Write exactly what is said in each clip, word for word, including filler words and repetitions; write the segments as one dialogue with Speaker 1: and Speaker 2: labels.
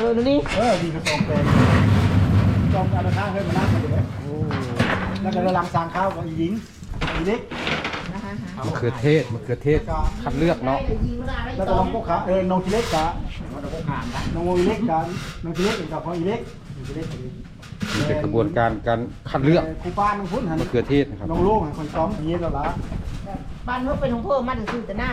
Speaker 1: อนี่
Speaker 2: เออดีกระสองแปลงจอมการข้างให้มานั่งกันเลยแล้วก็หลังสางข้าวกับอีหญิงอีเล็ก
Speaker 3: มะเขือเทศมะเขือเทศคัดเลือกเนาะ
Speaker 2: แล้วก็น้องพวกขาเออน้องทีเล็กกับน้องอีเล็กกับน้องทีเล็กกับพ่ออีเล็กอีเล็ก
Speaker 3: นี่เป็นกระบวนการการคัดเลือก
Speaker 2: ครูป้าน้องพุ่นหัน
Speaker 3: มะเขือเทศนะครับ
Speaker 2: น้องลูกคนซ้อมอย่างนี้แล้วล่ะ
Speaker 1: บ้านเขาเป็นของเพิ่มมาถึงสื่อแต่หน้า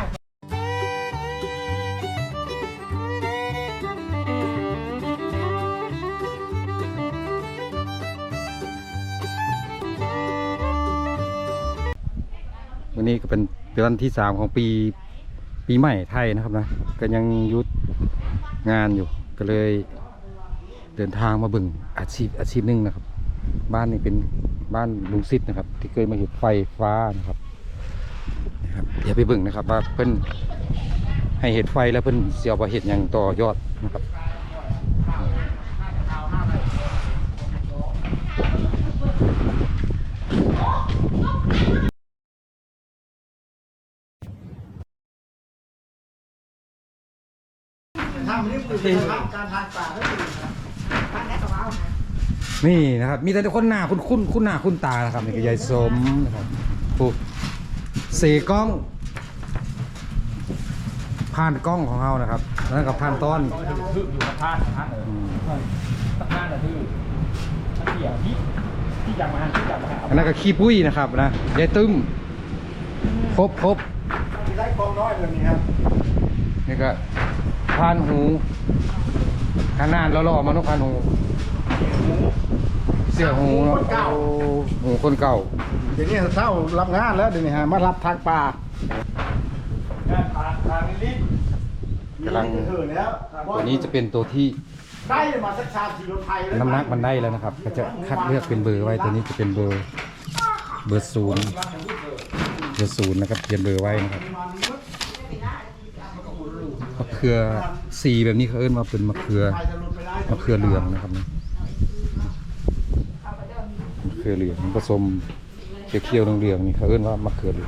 Speaker 3: วันนี้ก็เป็นเดือนที่สามของปีปีใหม่ไทยนะครับนะก็ยังยุดงานอยู่ก็เลยเดินทางมาบึงอาชีพอาชีพหนึ่งนะครับบ้านนี้เป็นบ้านลุงซิดนะครับที่เคยมาเห็นไฟฟ้านะครับนะครับอย่าไปบึงนะครับว่าเพิ่นให้เห็ดไฟแล้วเพิ่นเสียวไปเห็ดอย่างต่อยอดนะครับนี่นะครับมีแต่คนหน้าคุ้นคุ้นคุ้นหน้าคุ้นตานะครับนี่คือยายสมนะครับปุ๊บเสกล้องผ่านกล้องของเรานะครับแล้วกับผ่านต้น
Speaker 4: อยู่กับผ่านผ่านเออผ่านแต่ที่ที่อย่างที่ที่อยากมาที่อยากมา
Speaker 3: อันนั้นก็ขี้ปุ้ยนะครับนะยายตึ้มครบครบ
Speaker 2: ได้กองน้อยแบบนี้ครับ
Speaker 3: นี่ก็ผ่านหูขนาดเราหล่อมาทุกผ่านหูเสี่ยหูเนาะหูคนเก่า
Speaker 2: เดี๋ยวนี้เศร้ารับงานแล้วเดี๋ยวนี้ฮะมารับทางป่า
Speaker 3: กำลังตัวนี้จะเป็นตัวที่น้ำหนักมันได้แล้วนะครับก็จะคัดเลือกเป็นเบอร์ไว้ตัวนี้จะเป็นเบอร์เบอร์ศูนย์เบอร์ศูนย์นะครับเขียนเบอร์ไว้นะครับมะเขือสีแบบนี้เขาเอิ้นมาเป็นมะเขือมะเขือเหลืองนะครับมะเขือเหลืองผสมเขียวๆเหลืองๆนี่เขาเอิ้นว่ามะเขือเหลือง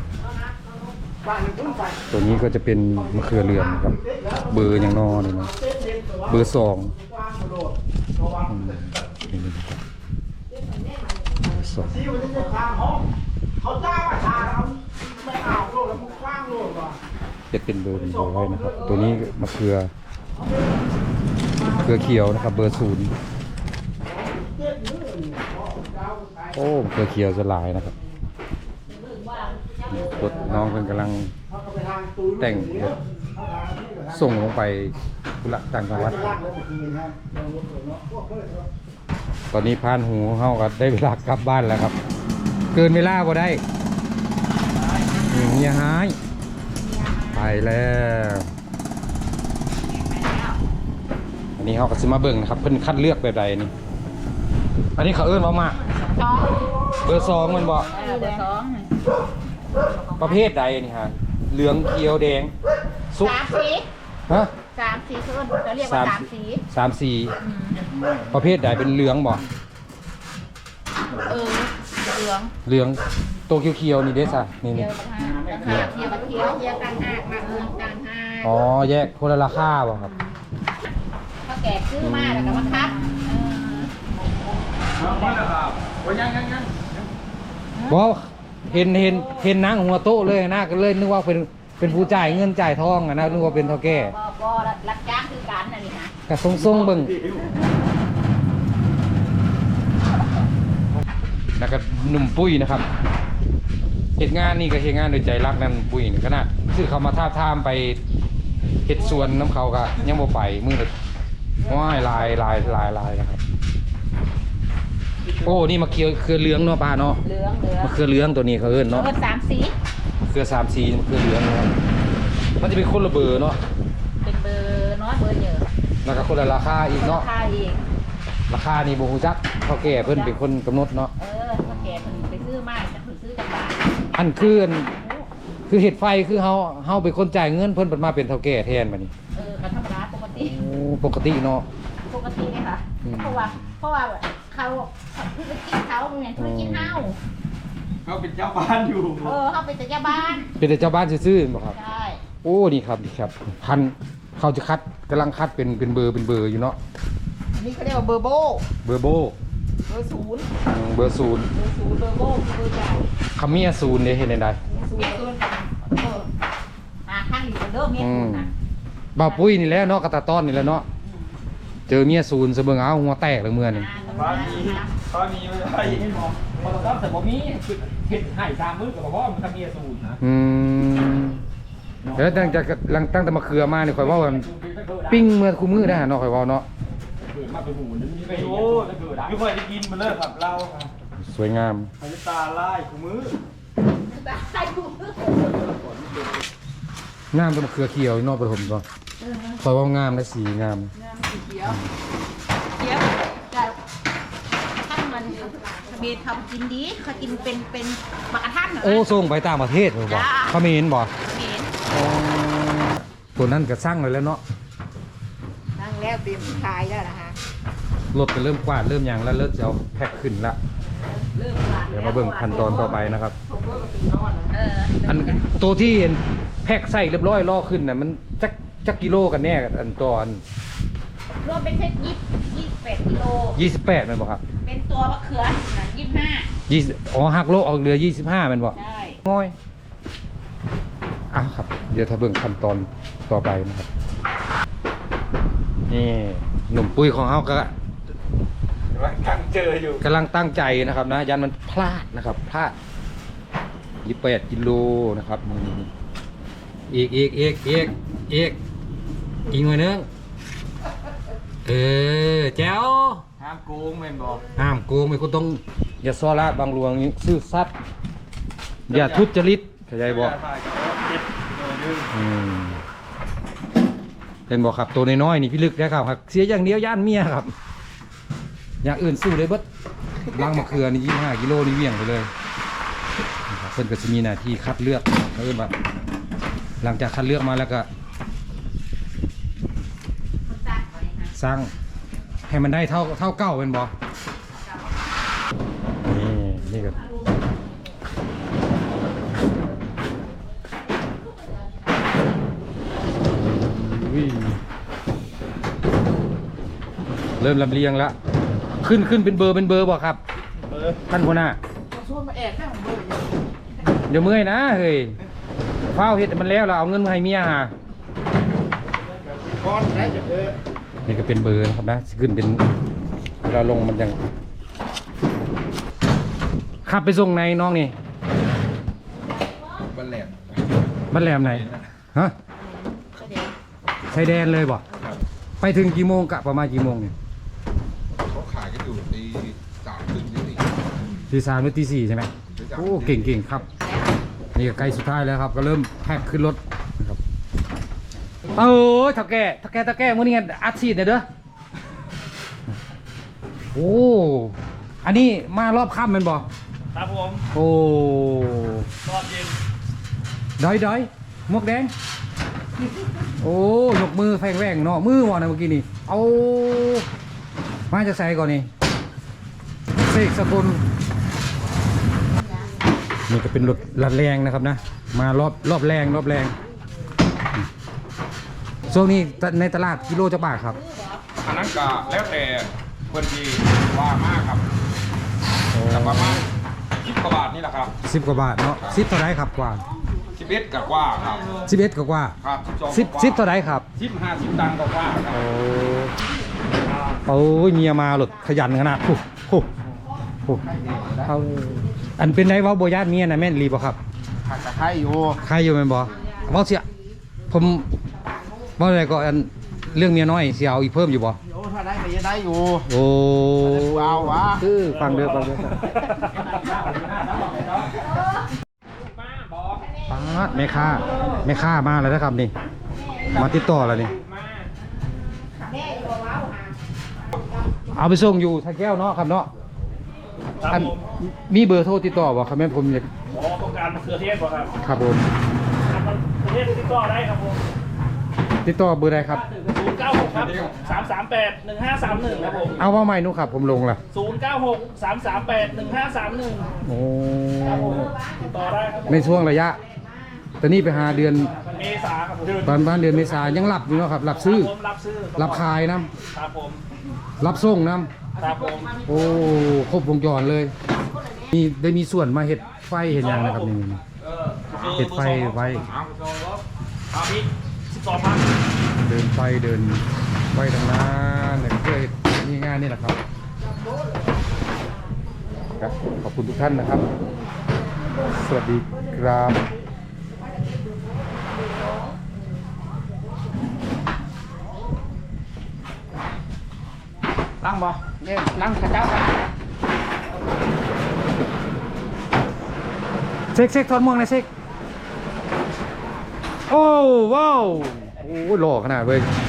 Speaker 3: ตัวนี้ก็จะเป็นมะเขือเหลืองครับเบอร์อย่างนอเลยนะเบอร์สองสองจะเป็นเบอร์เป็นเบอร์ไว้นะครับตัวนี้มะเขือมะเขือเขียวนะครับเบอร์ศูนย์โอ้มะเขือเขียวจะลายนะครับกดน้องเพิ่นกำลังแต่งส่งลงไปกุละต่างจังหวัดตอนนี้พานหูเขาก็ได้เวลากลับบ้านแล้วครับเกินเวลาบ่ได้เมียหายไปแล้วอันนี้เขาก็ซื้อมาเบิ่งนะครับเพิ่นคัดเลือกแบบใดนี่อันนี้เขาเอิ้นว่ามาเบอร์สองมันบอก
Speaker 1: เบอร์สอง
Speaker 3: ประเภทใดนี่ฮะเหลืองเขียวแดง
Speaker 1: สุกสามสี
Speaker 3: ฮะ
Speaker 1: สามสีคือเราเรียกว่าสามสี
Speaker 3: สามสีประเภทใดเป็นเหลืองบ่
Speaker 1: เออเหลือง
Speaker 3: เหลืองตัวเขียวๆนี่เด้ซะนี่นี่
Speaker 1: เขียวเขียวเขียวเขียวกันห้ามาเหลืองกันห้า
Speaker 3: อ๋อแยกคนละราคาบ่ครับ
Speaker 1: ถ้าแก่ซื้อมาแล้วก็มาคัด
Speaker 4: เอาไปแล้วครับโอ้ยยังยังยัง
Speaker 3: บ่เห็นเห็นเห็นนางหัวโต๊ะเลยนะก็เลยนึกว่าเป็นเป็นผู้จ่ายเงินจ่ายทองอะนะนึกว่าเป็นเท่าแก่
Speaker 1: บ่บ่รับจ้างคือการนั่นนี่ฮะ
Speaker 3: กระทรงทรงเบิ่งแล้วก็หนุ่มปุ้ยนะครับเหตุงานนี่ก็เหตุงานโดยใจรักนั่นปุ้ยนี่ขนาดซื้อเขามาท่าท่ามไปเห็ดสวนน้ำเขาก็ยังบ่ไปมือเลยว้ายลายลายลายลายนะครับโอ้นี่มะเขือเขือเหลืองเนาะป้าเนาะ
Speaker 1: เหลืองเหลือง
Speaker 3: มะเขือเหลืองตัวนี้เขาเอิ้นเนาะ
Speaker 1: เขือสามสี
Speaker 3: เขือสามสีมะเขือเหลืองเนาะมันจะเป็นคนละเบอร์เนาะ
Speaker 1: เป็นเบอร์น้อยเบอร์เยอะ
Speaker 3: แล้วก็คนละราคาอีกเนาะ
Speaker 1: ราคาอีก
Speaker 3: ราคานี่บ่ฮู้จักเฒ่าแก่เพิ่นเป็นคนกำหนดเนาะ
Speaker 1: เออเฒ่าแก่เพิ่นไปซื้อมาจะเพิ่นซื้อจากบ้าน
Speaker 3: อันคือคือเห็ดไฟคือเฮาเฮาเป็นคนจ่ายเงินเพิ่นเป็นมาเป็นเฒ่าแก่แทนบัดนี้
Speaker 1: เออก็ธรรมดาปกติ
Speaker 3: โอ้ปกติเนาะ
Speaker 1: ปกติไงค่ะเพราะว่าเพราะว่าเขาเพิ่งไปกินเขาเหมือนเพิ่งกินเฮา
Speaker 4: เขาเป็นเจ้าบ้านอยู่
Speaker 1: เออเขาเป็นแต่เจ้าบ้าน
Speaker 3: เป็นแต่เจ้าบ้านซื่อๆบ่ครับ
Speaker 1: ใช่
Speaker 3: โอ้นี่ครับนี่ครับพันเขาจะคัดกำลังคัดเป็นเป็นเบอร์เป็นเบอร์อยู่เนาะ
Speaker 1: นี่เขาเรียกว่าเบอร์โบ
Speaker 3: เบอร์โบ
Speaker 1: เบอร์ศูนย์
Speaker 3: อืมเบอร์ศูนย์
Speaker 1: เบอร์ศูนย์เบอร์โบเบอร์ใหญ่
Speaker 3: คำเมียศูนย์เนี่ยเห็นได้
Speaker 1: ศูนย์ศูนย์เออหาข้างอยู่เดิมเนี่ย
Speaker 3: อื
Speaker 1: ศู
Speaker 3: ม
Speaker 1: นย์นะ
Speaker 3: บ่าวปุ้ยนี่แหละเนาะกระตาต้อนนี่แหละเนาะเจอเมียศูนย์เสเบิงเอาหัวแตกเลยเมื่อนี่
Speaker 4: ฟ้ามีฟ้ามีไม่ได้ให้มองพอเราต้องแต่บ่มีเห็ดไห่ตามมือกับพ่อมันทำเมียสูตรนะ
Speaker 3: อืมแล้วตั้งแต่หลังตั้งแต่มาเคือมาเนี่ยคอยเว่ากันปิ้งเมื่อคู่มือได้หาเนาะคอยเว่าเนาะ
Speaker 4: เกิดมาเป็นหมูนึงไม่รู้ไม่ค่อยได้กินมันเลยครับเรา
Speaker 3: สวยงาม
Speaker 4: พาตาไล่ขมือ
Speaker 1: ใส่ถุง
Speaker 3: งามเป็นมะเขือเขียวเนอกประถมก็คอยเว่างามและสีงาม
Speaker 1: น้ำสีเขียวเขียวแต่ท่านมันเบียร์ทำกินดีเขากินเป็นเป็นบักกระทันเหรอ
Speaker 3: โอ้ส่งไปต่างประเทศเลยบ่เขาไม่เห็นบ่
Speaker 1: เห็น
Speaker 3: ตัวนั้นก็สร้างเลยแล้วเนาะ
Speaker 1: นั่งแล้วเตรียมขายแล้วนะฮะ
Speaker 3: รถก็เริ่มกวาดเริ่มหยังแล้วเริ่มจะเอาแพ็คขึ้นละ
Speaker 1: เริ่มวาง
Speaker 3: เดี๋ยวมาเบิ่งขั้นตอนต่อไปนะครับ
Speaker 1: เออ
Speaker 3: อันตัวที่เห็นแพ็คใส่เรียบร้อยล่อขึ้นน่ะมันจักจักกิโลกันแน่อันตัวอัน
Speaker 1: รวมเป็นเซตยี่ยี่สิบแปดกิโล
Speaker 3: ยี่สิบแปดมันบ่ครับ
Speaker 1: เป็นตัวมะเขือนะยี่สิบห้า
Speaker 3: ยี่สิบอ๋อหักโลออกเหลือยี่สิบห้ามันบ่
Speaker 1: ใช่
Speaker 3: ง่อยอ้าวครับ เดี๋ยวถ้าเบิ่งขั้นตอนต่อไปนะครับนี่หนุ่มปุ้ยของเฮาก็
Speaker 4: ตั้งเจออยู่
Speaker 3: กำลังตั้งใจนะครับนะยันมันพลาดนะครับพลาดยี่สิบแปดกิโลนะครับอีกอีกอีกอีกอีกอีกหน่อยนึงเออแจ๋ว
Speaker 4: ห้ามโกงแม่นบอก
Speaker 3: ห้ามโกงไม่คุณต้องอย่าซ้อละบางหลวงซื่อสัตย์อย่าทุจริตเข้าใจบ่อืมเป็นบอกครับตัวน้อยๆนี่พี่ลึกนะครับครับเสียอย่างเดียวย่านเมียครับ อย่างอื่นสู้เลยเบิดล้างมะเขือนี่ยี่สิบห้ากิโลนี่เวี่ยงไปเลยนะครับเพิ่นก็จะมีหน้าที่คัดเลือกเพิ่นแบบหลังจากคัดเลือกมาแล้วก็
Speaker 1: คนสร้างก่อนเลยนะ
Speaker 3: สร้างให้มันได้เท่าเท่าเก้าเป็นบอนี่นี่ก็อุ้ยเริ่มลำเลียงแล้วขึ้นขึ้นเป็นเบอร์เป็นเบอร์บอกครับ
Speaker 4: เออ
Speaker 3: ท่านหัวหน้า
Speaker 1: ชวนมาแอบข้างของเบอร์อยู่
Speaker 3: เดี๋ยวเมื่อยนะเฮ้ยเฝ้าเห็ดมันแล้วเราเอาเงินมาให้เมียหา
Speaker 2: ก้อนได้จะเออ
Speaker 3: นี่ก็เป็นเบอร์นะครับนะขึ้นเป็นเวลาลงมันยังขับไปส่งในน้องนี่
Speaker 2: บันแหลม
Speaker 3: บ้านแหลมไหนฮะชายแดนเลยบ่ไปถึงกี่โมงกะประมาณกี่โมงเนี่ย
Speaker 5: เขาขายกันอยู่ตีสามถึงตีสี่
Speaker 3: ตีสามหรือตีสี่ใช่ไหมโอ้เก่งเก่งครับนี่ก็ใกล้สุดท้ายแล้วครับ ก็เริ่มแพ็คขึ้นรถนะครับเออถ้าแก่ถ้าแก่ถ้าแก่มื่อนี้ไงอัดฉีดเนี่ยเด้อโอ้อันนี้มารอบค่ำแมันบ่
Speaker 4: ครับผม
Speaker 3: โอ้
Speaker 4: รอบเย็น
Speaker 3: ดอยดอยหมวกแดงโอ้ยกมือแฝงแหว่งเนาะมือวะนะเมื่อกี้นี่เอามาจะใส่ก่อนนี่เสกสกุลนี่ก็เป็นรถลัดแรงนะครับนะ มารอบรอบแรงรอบแรงช่วงนี้ในตลาดกิโลจะบาทครับ
Speaker 5: อันนั้นก็แล้วแต่เพื่อนที่ว่ามากครับแต่ประมาณสิบกว่าบาทนี่แหละครับ
Speaker 3: สิบกว่าบาทเนาะสิบเท่าไรครับกว่า
Speaker 5: สิบเอ็ดกับกว่าครับ
Speaker 3: สิบเอ็ดกว่า
Speaker 5: ครับสอง
Speaker 3: สิบสิบเท่าไรครับ
Speaker 5: สิบห้าสิบตังค์กับกว่าครับ
Speaker 3: โอ้โอ้ยเมียมาหลดขยันขนาดโอ้โหโอ้เอาอันเป็นไรเว่าโบญาติเมียนะแม่นรีบ่ครับ
Speaker 2: ผักตะไคร้อยู่
Speaker 3: ใครอยู่แม่นบ่เว่าเสียผมเว่าอะไรก็อันเรื่องเมียน้อยเสียเอาอีกเพิ่มอยู่บ่
Speaker 2: โอ้ถ้าได้ก็จะได้อยู่
Speaker 3: โอ้
Speaker 2: เอาวะ
Speaker 3: คือฟังเด้อฟังเด้อป้าดแม่ค้าแม่ค้ามาแล้วนะครับนี่มาติดต่อแล้วนี่
Speaker 1: แม่อยู่ว้าวหา
Speaker 3: เอาไปส่งอยู่ท่าแก้วเนาะครับเนาะ
Speaker 4: ครับ
Speaker 3: อัน
Speaker 4: ผม
Speaker 3: มีเบอร์โทรติดต่อบ่ครับแม่นผมอยาก
Speaker 4: หมอต้องการมะเขือเทศป่ะครับ
Speaker 3: ครับผม
Speaker 4: มะเขือเทศติดต่อได้ครับผม
Speaker 3: ติดต่อเบอร์ใดครับ
Speaker 4: ศูนย์เก้าหกครับสามสามแปดหนึ่งห้าสามหนึ่งครับผม
Speaker 3: เอาว่าใหม่นุครับผมลงละ
Speaker 4: ศูนย์เก้าหกสามสามแปดหนึ่งห้าสามหนึ่ง
Speaker 3: โอ้
Speaker 4: ครับผมติดต่อได้ครับผม
Speaker 3: ในช่วงระยะตอนนี้ไปหาเดือน
Speaker 4: เมษาครับผม
Speaker 3: ประมาณเดือนเมษายังหลับอยู่เนาะครับหลับซื้อ
Speaker 4: ผมรับซื้อ
Speaker 3: หลับคายนะครับ
Speaker 4: ผม
Speaker 3: รับส่งน้
Speaker 4: ครับผม
Speaker 3: ำโอ้ครบวงจรเลยมีได้มีส่วนมาเห็ดไฟเห็นยังนะครับนี่นี่
Speaker 4: เออ
Speaker 3: เห็ดไฟไว้
Speaker 4: เอาพี่สิบสองพัน
Speaker 3: เดินไฟเดินไฟทางนั้นเนี่ยเพื่อนี่งานนี่แหละครับครับขอบคุณทุกท่านนะครับ สวัสดีครับ
Speaker 2: ล้างบ่เนี่ยล้างข้าเจ้ากัน
Speaker 3: เซ็กเซ็กทอดม่วงเลยเซ็กโอ้ว้าวโอ้หล่อขนาดเว้ย